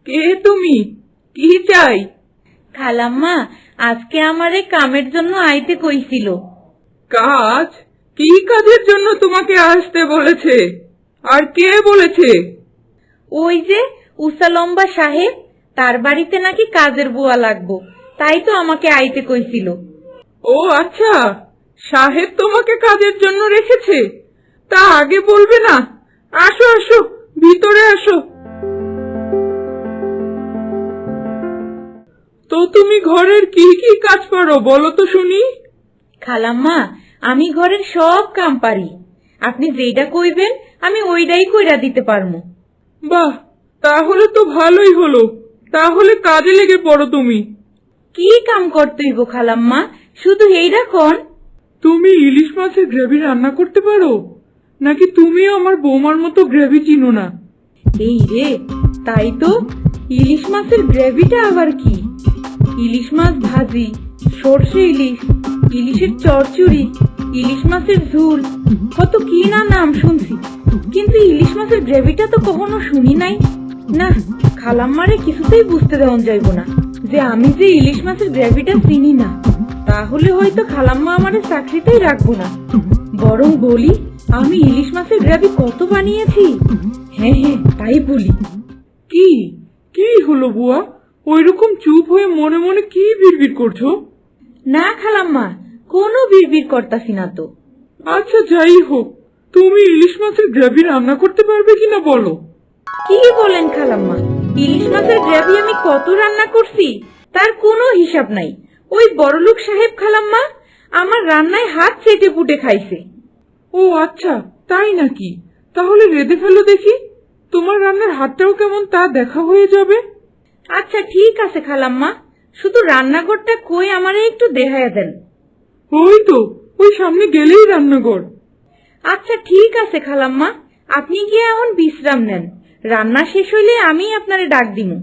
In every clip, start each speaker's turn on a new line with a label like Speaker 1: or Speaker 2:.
Speaker 1: কে তুমি? কি চাই?
Speaker 2: খালাম্মা আজকে আমারে কামের জন্য আইতে কইছিল।
Speaker 1: কাজ? কি কাজের জন্য তোমাকে আসতে বলেছে? আর কে বলেছে?
Speaker 2: ওই যে উষা লম্বা সাহেব, তার বাড়িতে নাকি কাজের বুয়া লাগবো, তাই তো আমাকে আইতে কইছিল।
Speaker 1: ও আচ্ছা, সাহেব তোমাকে কাজের জন্য রেখেছে? তা আগে বলবে না? আসো আসো, ভিতরে আসো। তো তুমি ঘরের কি কি কাজ পারো বলো তো শুনি।
Speaker 2: খালাম্মা আমি ঘরের সব কাম পারি, আপনি যেইটা কইবেন আমি ওইটাই কইরা দিতে পারমু।
Speaker 1: বাহ, তাহলে তো ভালোই হলো। তাহলে কাজে লেগে পড়ো তুমি।
Speaker 2: কি কাম করতে হইব খালাম্মা, শুধু এইটা কোন?
Speaker 1: তুমি ইলিশ মাছের গ্রেভি রান্না করতে পারো? নাকি তুমিও আমার বৌমার মতো গ্রেভি চিনো না?
Speaker 2: এই রে, তাই তো। ইলিশ মাছের গ্রেভিটা আবার কি? ইলিশ মাছ ভাজি, সর্ষে ইলিশ, ইলিশের চচ্চড়ি, ইলিশ মাছের ঝোল, কত কি না নাম শুনছি, কিন্তু ইলিশ মাছের গ্রেভিটা তো কখনো শুনি নাই। না, খালাম্মারে কিছুতেই বুঝতে দেওয়া যাইব না যে আমি যে ইলিশ মাছের গ্রেভিটা চিনি না। তাহলে হয়তো খালাম্মা আমারে চাকরিতেই রাখবো না। বরং বলি আমি ইলিশ মাছের গ্রেভি কত বানিয়েছি। হ্যাঁ হ্যাঁ, তাই বলি।
Speaker 1: কি কি হলো বুয়া? ওইরকম চুপ হয়ে মনে মনে কি বিড়বিড় করছো?
Speaker 2: না খালাম্মা, কোনো বিড়বিড় করতাছি না তো।
Speaker 1: আচ্ছা যাই হোক, তুমি ইলিশ মাছের গ্রেভি রান্না করতে পারবে কিনা বলো।
Speaker 2: কি বলেন খালাম্মা, ইলিশ মাছের গ্রেভি আমি কত রান্না করছি তার কোনো হিসাব নাই। ওই বড়লোক সাহেব খালাম্মা আমার রান্নায় হাত চেটে পুটে খাইছে।
Speaker 1: ও আচ্ছা, তাই নাকি? তাহলে রেঁধে ফেলো দেখি। তোমার রান্নার হাতটাও কেমন তা দেখা হয়ে যাবে।
Speaker 2: আচ্ছা ঠিক আছে খালাম্মা, শুধু রান্নাঘরটা কই আমারে একটু দেখাইয়া দেন।
Speaker 1: ওই তো, ওই সামনে গেলেই রান্নাঘর।
Speaker 2: আচ্ছা ঠিক আছে খালাম্মা, আপনি গিয়ে এখন বিশ্রাম নেন, রান্না শেষ হইলে আমি আপনারে ডাক দিমু।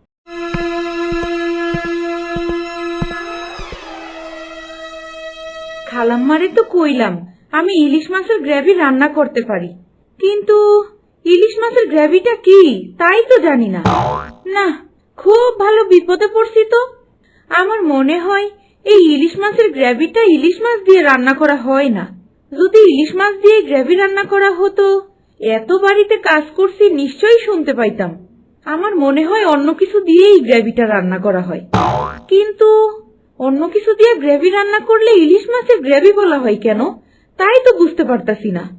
Speaker 2: খালাম্মারে তো কইলাম আমি ইলিশ মাছের গ্রেভি রান্না করতে পারি, কিন্তু ইলিশ মাছের গ্রেভিটা কি তাই তো জানি না। না, খুব ভালো বিপদে পড়ছি তো। আমার মনে হয় এই ইলিশ মাছের গ্রেভিটা ইলিশ মাছ দিয়ে রান্না করা হয় না। যদি ইলিশ মাছ দিয়ে গ্রেভি রান্না করা হতো, এত বাড়িতে কাজ করছি নিশ্চয়ই শুনতে পাইতাম। আমার মনে হয় অন্য কিছু দিয়েই গ্রেভিটা রান্না করা হয়, কিন্তু অন্য কিছু দিয়ে গ্রেভি রান্না করলে ইলিশ মাছের গ্রেভি বলা হয় কেন তাই তো বুঝতে পারতাছি না।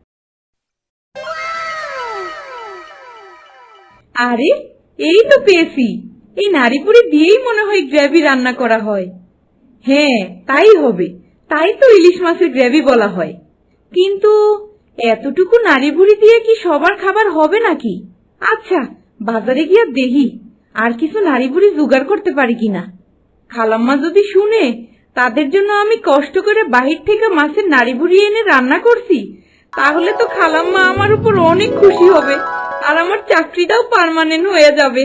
Speaker 2: আরে এই তো পেয়েছি, এই নাড়িপুরি দিয়েই মনে হয় গ্রেভি রান্না করা হয়। হ্যাঁ তাই হবে, তাই তো ইলিশ মাছের গ্রেভি বলা হয়। কিন্তু এতটুকু নাড়িভুড়ি দিয়ে কি সবার খাবার হবে নাকি? আচ্ছা বাজারে গিয়ে দেখি আর কিছু নাড়িভুড়ি জোগাড় করতে পারি কিনা। খালাম্মা যদি শুনে তাদের জন্য আমি কষ্ট করে বাহির থেকে মাছের নাড়িভুড়ি এনে রান্না করছি, তাহলে তো খালাম্মা আমার উপর অনেক খুশি হবে আর আমার চাকরিটাও পার্মানেন্ট হয়ে যাবে।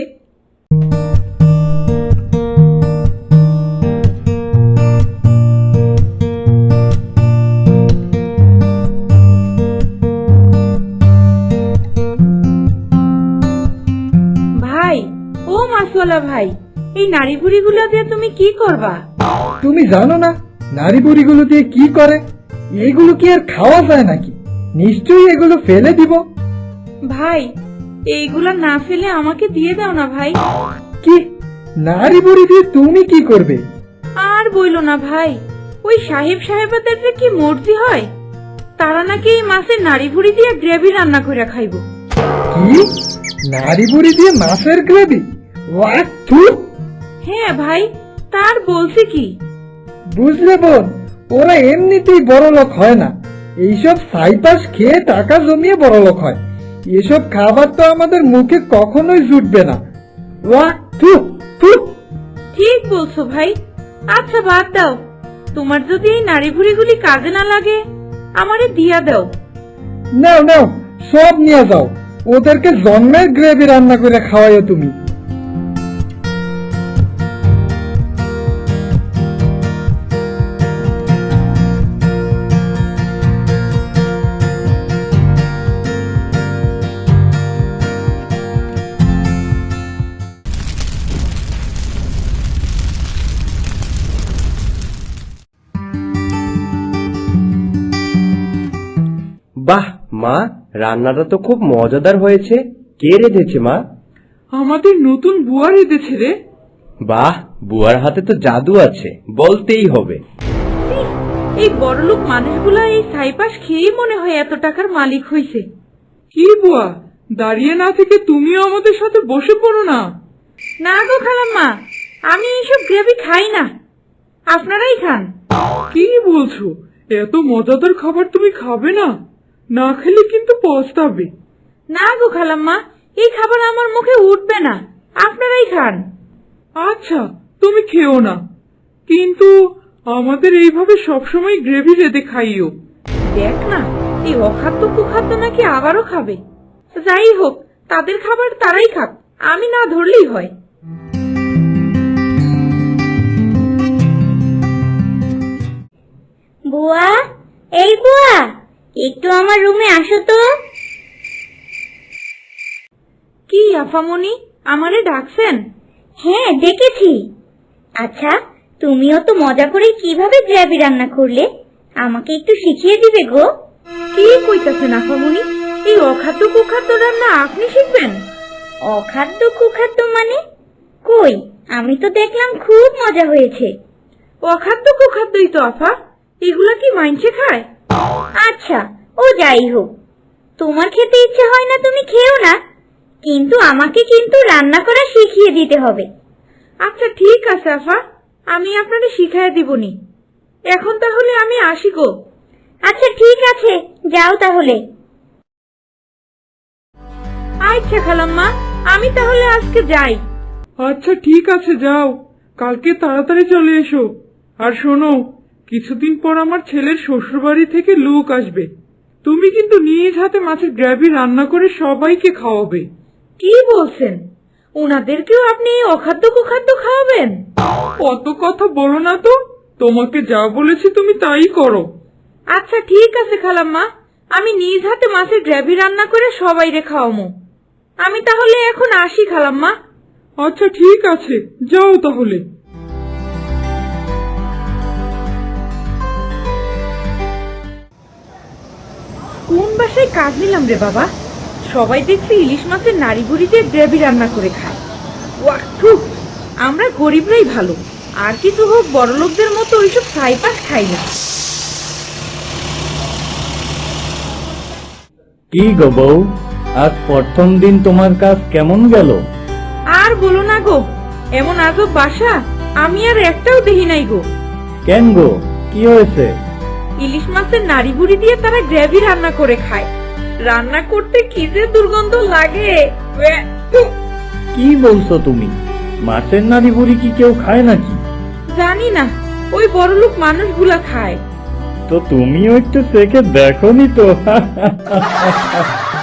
Speaker 2: ভাই, ও মাছওয়ালা ভাই, এই নাড়িভুড়িগুলো দিয়ে তুমি কি করবা?
Speaker 3: তুমি জানো না নারী বুড়িগুলো দিয়ে কি করে? এগুলো কি আর খাওয়া যায় নাকি? নিশ্চয়ই এগুলো ফেলে দিব।
Speaker 2: ভাই, এইগুলা না ফেলে আমাকে দিয়ে দাও না ভাই।
Speaker 3: কি? নারী বুড়ি দিয়ে তুমি কি করবে?
Speaker 2: আর বইলো না ভাই, ওই সাহেব সাহেবাদের যে কি মর্জি হয়, তারা নাকি এই মাছের নাড়িভুড়ি দিয়ে গ্রেভি রান্না করে খাইবো।
Speaker 3: কি? নারী বুড়ি দিয়ে মাছের গ্রেভি? ওয়াক থু!
Speaker 2: হ্যাঁ ভাই, তার বলছি কি?
Speaker 3: বুঝলে বোন, ওরা এমনিতেই বড় লোক হয় না, এইসব সাইপাস খেয়ে টাকা জমিয়ে বড় লোক হয়। এসব খাবার তো আমাদের মুখে কখনোই জুটবে না। ওয়াক থু থু!
Speaker 2: ঠিক বলছো ভাই। আচ্ছা বাদ দাও, তোমার যদি এই নাড়িভুড়িগুলি কাজে না লাগে আমারে দিয়া দাও।
Speaker 3: নাও নাও, সব নিয়ে যাও, ওদেরকে জন্মের গ্রেভি রান্না করে খাওয়াইও তুমি।
Speaker 4: মা, রান্নাটা তো খুব মজাদার হয়েছে। কে রেঁধেছে মা?
Speaker 1: আমাদের নতুন বুয়া রেঁধেছে রে।
Speaker 4: বাহ, বুয়ার হাতে তো জাদু আছে, বলতেই হবে।
Speaker 2: এই বড়লোক মানুষগুলা এই ছাইপাশ খেয়েই মনে হয় এত টাকার মালিক হয়েছে।
Speaker 1: কি বুয়া, দাঁড়িয়ে না থেকে তুমিও আমাদের সাথে বসে পড়ো না।
Speaker 2: না গো খালাম্মা, আমি এইসব গ্রেভি খাই না, আপনারাই খান।
Speaker 1: কি বলছো? এত মজাদার খাবার তুমি খাবে না? না খেলে কিন্তু পস্তাবে।
Speaker 2: না গো খালাম্মা, এই খাবার আমার মুখে উঠবে না, আপনারাই খান।
Speaker 1: আচ্ছা, তুমি খেও না, কিন্তু আমাদের এইভাবে সবসময় গ্রেভি রেঁধে খাইও।
Speaker 2: দেখ না, এই অখাদ্য কুখাদ্য নাকি আবারও খাবে। যাই হোক, তাদের খাবার তারাই খাক, আমি না ধরলেই হয়।
Speaker 5: বুয়া, এই বুয়া, একটু আমার রুমে আসো তো।
Speaker 2: কি আফামনি, আমারে ডাকছেন?
Speaker 5: হ্যাঁ, ডেকেছি। আচ্ছা, তুমিও তো মজা করে কিভাবে গ্রেভি রান্না করলে, আমাকে একটু শিখিয়ে দিবে গো।
Speaker 2: কি কইতাছেন আফামনি? এই অখাদ্য কুখাদ্য রান্না আপনি শিখবেন?
Speaker 5: অখাদ্য কুখাদ্য মানে? কই, আমি তো দেখলাম খুব মজা হয়েছে।
Speaker 2: অখাদ্য কুখাদ্যই তো আফা, এগুলা কি মাইনছে খায়?
Speaker 5: আচ্ছা, ও যাই হোক, তোমার খেতে ইচ্ছে হয় না তুমি খেও না, কিন্তু আমাকে কিন্তু রান্না করা শিখিয়ে দিতে হবে।
Speaker 2: আচ্ছা ঠিক আছে আফা, আমি আপনাকে শিখাইয়া দিবনি। এখন তাহলে আমি আসি গো।
Speaker 5: আচ্ছা ঠিক আছে, যাও তাহলে।
Speaker 2: আচ্ছা খালাম্মা, আমি তাহলে আজকে যাই।
Speaker 1: আচ্ছা ঠিক আছে, যাও, কালকে তাড়াতাড়ি চলে এসো। আর শোনো, কিছুদিন পর আমার ছেলের শ্বশুরবাড়ি থেকে লোক আসবে। তুমি কিন্তু নিজ হাতে মাছের গ্রেভি রান্না করে সবাইকে খাওয়াবে।
Speaker 2: কি বলছেন? ওনাদেরকেও আপনি এই অখাদ্য কুখাদ্য খাওয়াবেন?
Speaker 1: অত কথা বলো না তো, তোমাকে যা বলেছি তুমি তাই করো।
Speaker 2: আচ্ছা ঠিক আছে খালাম্মা, আমি নিজ হাতে মাছের গ্রেভি রান্না করে সবাইরে খাওয়ামো। আমি তাহলে এখন আসি খালাম্মা।
Speaker 1: আচ্ছা ঠিক আছে, যাও তাহলে।
Speaker 2: কোন বাসায় কাজ নিলাম রে বাবা? সবাই দেখছি ইলিশ মাছের নাড়ি বুড়ি দিয়ে গ্রেভি রান্না করে খায়। ওয়া থু, আমরা গরিবরাই ভালো, আর কিছু হোক বড়লোকদের মতো ওইসব ছাইপাশ খাই না।
Speaker 6: কি গো বউ, আজ প্রথম দিন তোমার কাজ কেমন গেল?
Speaker 2: আর বলো না গো, এমন আজব বাসা আমি আর একটাও দেখি নাই গো।
Speaker 6: কেন গো, কি হয়েছে?
Speaker 2: ইলিশ মাছের নাড়ি বুড়ি দিয়ে তারা গ্রেভি রান্না করে খায়। রান্না করতে কি যে দুর্গন্ধ লাগে। ওয়া, থু।
Speaker 6: কি বলছো তুমি? মাছের নাড়ি বুড়ি কি কেউ খায় নাকি?
Speaker 2: জানি না, ওই বড়লোক মানুষগুলা খায়।
Speaker 6: তো তুমিও একটু চেখে দেখোনি তো?